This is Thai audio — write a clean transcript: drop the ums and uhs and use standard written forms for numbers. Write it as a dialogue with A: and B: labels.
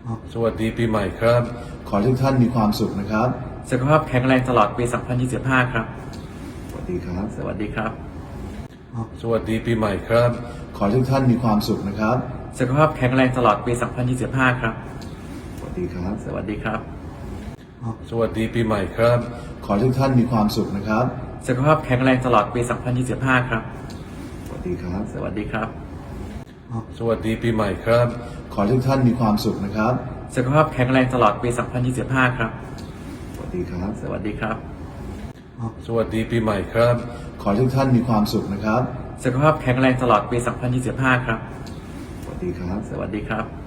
A: สวัสดีปีใหม่ครับขอให้ทุกท่านมีความสุขนะครับ
B: สุขภาพแข็งแรงตลอดปี 2025 ครับ
A: สวัสดีครับ
B: สวัสดีครับ
A: สวัสดีปีใหม่ครับขอให้ทุกท่านมีความสุขนะครับ
B: สุขภาพแข็งแรงตลอดปี 2025 ครับ
A: สวัสดีครับ
B: สวัสดีครับ
A: สวัสดีปีใหม่ครับขอให้ทุกท่านมีความสุขนะครับ
B: สุขภาพแข็งแรงตลอดปี 2025 ครับ
A: สวัสดีครับ
B: สวัสดีครับ
A: สวัสดีปีใหม่ครับขอให้ทุกท่านมีความสุขนะครับ
B: สุขภาพแข็งแรงตลอดปี 2025 ครับ
A: สวัสดีครับ
B: สวัสดีครับ
A: สวัสดีปีใหม่ครับขอให้ทุกท่านมีความสุขนะครับ
B: สุขภาพแข็งแรงตลอดปี 2025 ครับ
A: สวัสดีครับ
B: สวัสดีครับ